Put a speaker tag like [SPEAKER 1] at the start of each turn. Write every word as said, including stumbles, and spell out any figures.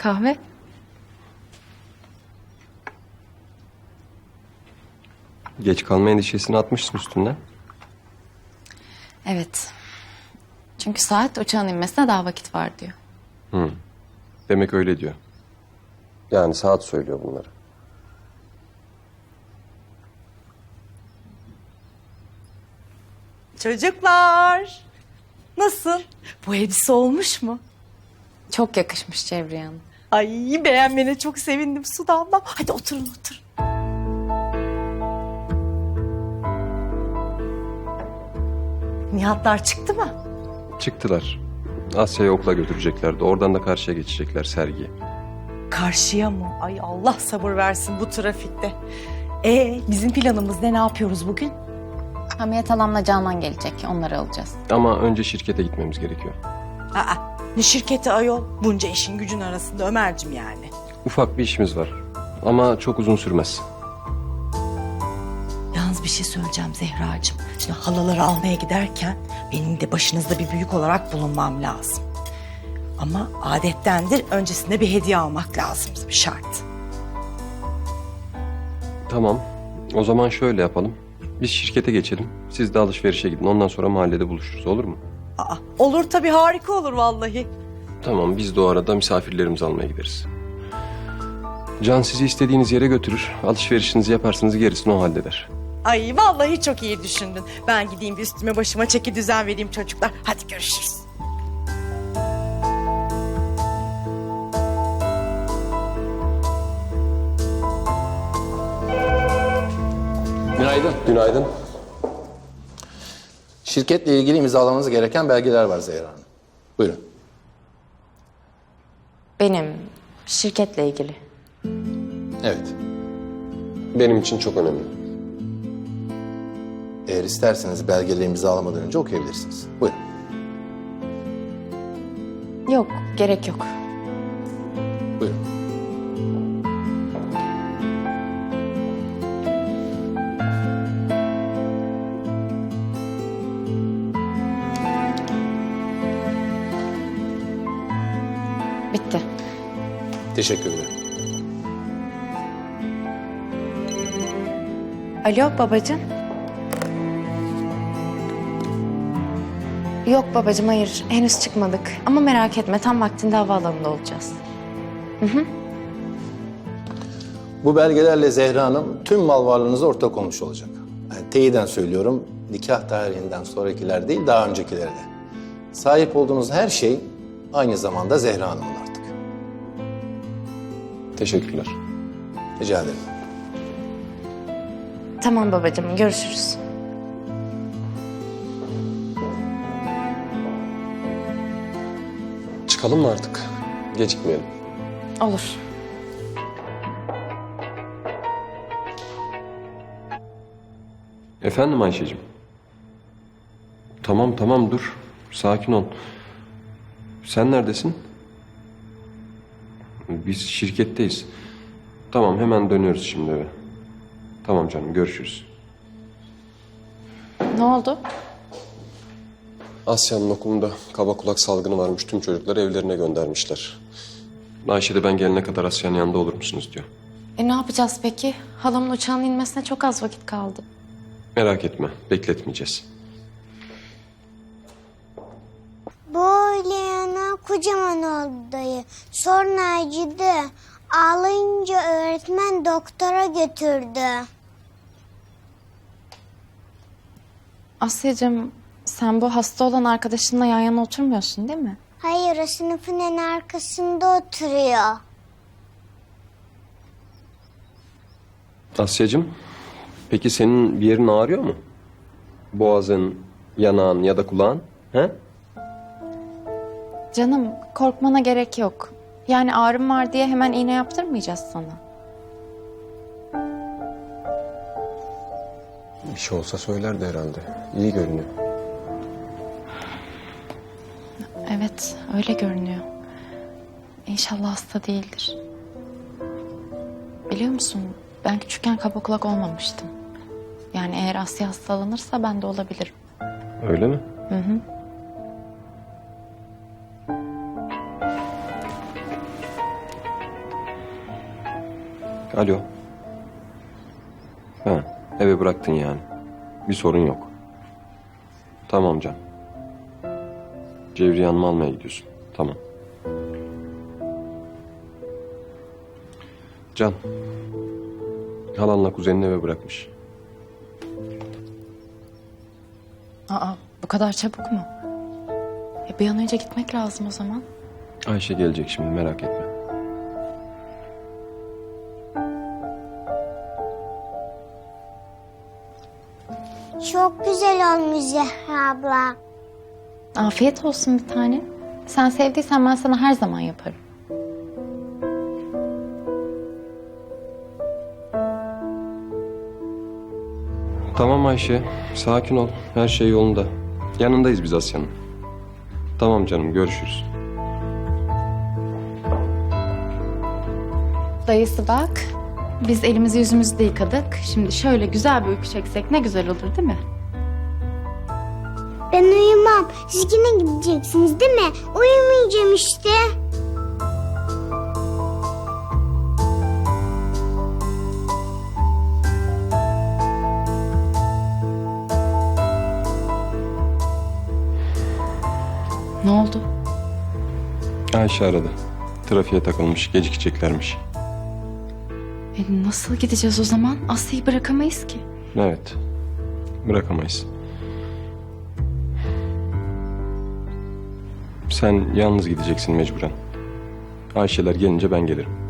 [SPEAKER 1] Kahve?
[SPEAKER 2] Geç kalma endişesini atmışsın üstünden.
[SPEAKER 1] Evet. Çünkü saat uçağın inmesine daha vakit var diyor.
[SPEAKER 2] Hı. Demek öyle diyor. Yani saat söylüyor bunları.
[SPEAKER 3] Çocuklar. Nasıl? Bu elbise olmuş mu?
[SPEAKER 1] Çok yakışmış Cevriye Hanım.
[SPEAKER 3] Ay beğenmene çok sevindim Su damlam. Hadi oturun oturun. Nihatlar çıktı mı?
[SPEAKER 2] Çıktılar. Asya'yı okula götüreceklerdi. Oradan da karşıya geçecekler sergiye.
[SPEAKER 3] Karşıya mı? Ay Allah sabır versin bu trafikte. Ee bizim planımız ne? Ne yapıyoruz bugün?
[SPEAKER 1] Hamiyet Hanım'la Canan gelecek. Onları alacağız.
[SPEAKER 2] Ama önce şirkete gitmemiz gerekiyor.
[SPEAKER 3] Aa, ne şirketi ayol? Bunca işin gücün arasında Ömer'cim yani.
[SPEAKER 2] Ufak bir işimiz var. Ama çok uzun sürmez.
[SPEAKER 3] Yalnız bir şey söyleyeceğim Zehracığım. Şimdi halaları almaya giderken benim de başınızda bir büyük olarak bulunmam lazım. Ama adettendir öncesinde bir hediye almak lazım, bir şart.
[SPEAKER 2] Tamam. O zaman şöyle yapalım. Biz şirkete geçelim. Siz de alışverişe gidin. Ondan sonra mahallede buluşuruz. Olur mu?
[SPEAKER 3] Aa, olur tabii, harika olur vallahi.
[SPEAKER 2] Tamam. Biz de o arada misafirlerimizi almaya gideriz. Can sizi istediğiniz yere götürür. Alışverişinizi yaparsınız, gerisini o halleder.
[SPEAKER 3] Ay vallahi çok iyi düşündün. Ben gideyim bir üstüme başıma çeki düzen vereyim çocuklar. Hadi görüşürüz.
[SPEAKER 4] Günaydın.
[SPEAKER 2] Günaydın.
[SPEAKER 4] Şirketle ilgili imzalamanız gereken belgeler var Zehra Hanım. Buyurun.
[SPEAKER 1] Benim şirketle ilgili.
[SPEAKER 4] Evet.
[SPEAKER 2] Benim için çok önemli.
[SPEAKER 4] Eğer isterseniz belgeleri imzalamadan önce okuyabilirsiniz. Buyurun.
[SPEAKER 1] Yok, gerek yok.
[SPEAKER 4] Buyurun.
[SPEAKER 1] Bitti.
[SPEAKER 4] Teşekkür ederim.
[SPEAKER 1] Alo babacığım. Yok babacığım, hayır. Henüz çıkmadık. Ama merak etme, tam vaktinde havaalanında olacağız.
[SPEAKER 4] Bu belgelerle Zehra Hanım tüm mal varlığınıza ortak olmuş olacak. Yani teyiden söylüyorum, nikah tarihinden sonrakiler değil, daha öncekileri de. Sahip olduğunuz her şey aynı zamanda Zehra Hanım'ın artık.
[SPEAKER 2] Teşekkürler.
[SPEAKER 4] Rica ederim.
[SPEAKER 1] Tamam babacığım, görüşürüz.
[SPEAKER 2] Çıkalım mı artık? Gecikmeyelim.
[SPEAKER 1] Olur.
[SPEAKER 2] Efendim Ayşe'cim? Tamam tamam dur. Sakin ol. Sen neredesin? Biz şirketteyiz. Tamam hemen dönüyoruz şimdi eve. Tamam canım görüşürüz.
[SPEAKER 1] Ne oldu?
[SPEAKER 2] Asya'nın okulunda kaba kulak salgını varmış. Tüm çocukları evlerine göndermişler. Ayşe de ben gelene kadar Asya'nın yanında olur musunuz diyor.
[SPEAKER 1] E ne yapacağız peki? Halamın uçağın inmesine çok az vakit kaldı.
[SPEAKER 2] Merak etme bekletmeyeceğiz.
[SPEAKER 5] Böyle yana kocaman oldu dayı. Sonra acıdı. Ağlayınca öğretmen doktora götürdü.
[SPEAKER 1] Asya'cığım, sen bu hasta olan arkadaşınla yan yana oturmuyorsun değil mi?
[SPEAKER 5] Hayır, o sınıfın en arkasında oturuyor.
[SPEAKER 2] Asya'cığım peki senin bir yerin ağrıyor mu? Boğazın, yanağın ya da kulağın? He?
[SPEAKER 1] Canım, korkmana gerek yok. Yani ağrım var diye hemen iğne yaptırmayacağız sana.
[SPEAKER 2] Bir şey olsa söylerdi herhalde. İyi görünüyor.
[SPEAKER 1] Evet, öyle görünüyor. İnşallah hasta değildir. Biliyor musun, ben küçükken kaba kulak olmamıştım. Yani eğer Asya hastalanırsa ben de olabilirim.
[SPEAKER 2] Öyle mi?
[SPEAKER 1] Hı hı.
[SPEAKER 2] Alo. Ha, eve bıraktın yani. Bir sorun yok. Tamam Can. Cevriye Hanım'ı almaya gidiyorsun. Tamam. Can. Halanla kuzenini eve bırakmış.
[SPEAKER 1] Aa, bu kadar çabuk mu? E, bir an önce gitmek lazım o zaman.
[SPEAKER 2] Ayşe gelecek şimdi, merak etme.
[SPEAKER 5] Çok güzel olmuş Zehra abla.
[SPEAKER 1] Afiyet olsun bir tane. Sen sevdiysen ben sana her zaman yaparım.
[SPEAKER 2] Tamam Ayşe, sakin ol. Her şey yolunda. Yanındayız biz Asya'nın. Tamam canım, görüşürüz.
[SPEAKER 1] Dayısı bak. Biz elimizi yüzümüzü de yıkadık. Şimdi şöyle güzel bir uyku çeksek ne güzel olur değil mi?
[SPEAKER 5] Ben uyumam. Siz yine gideceksiniz değil mi? Uyumayacağım işte.
[SPEAKER 1] Ne oldu?
[SPEAKER 2] Ayşe aradı. Trafiğe takılmış, gecikeceklermiş.
[SPEAKER 1] E, nasıl gideceğiz o zaman? Asya'yı bırakamayız ki.
[SPEAKER 2] Evet, bırakamayız. Sen yalnız gideceksin mecburen. Ayşeler gelince ben gelirim.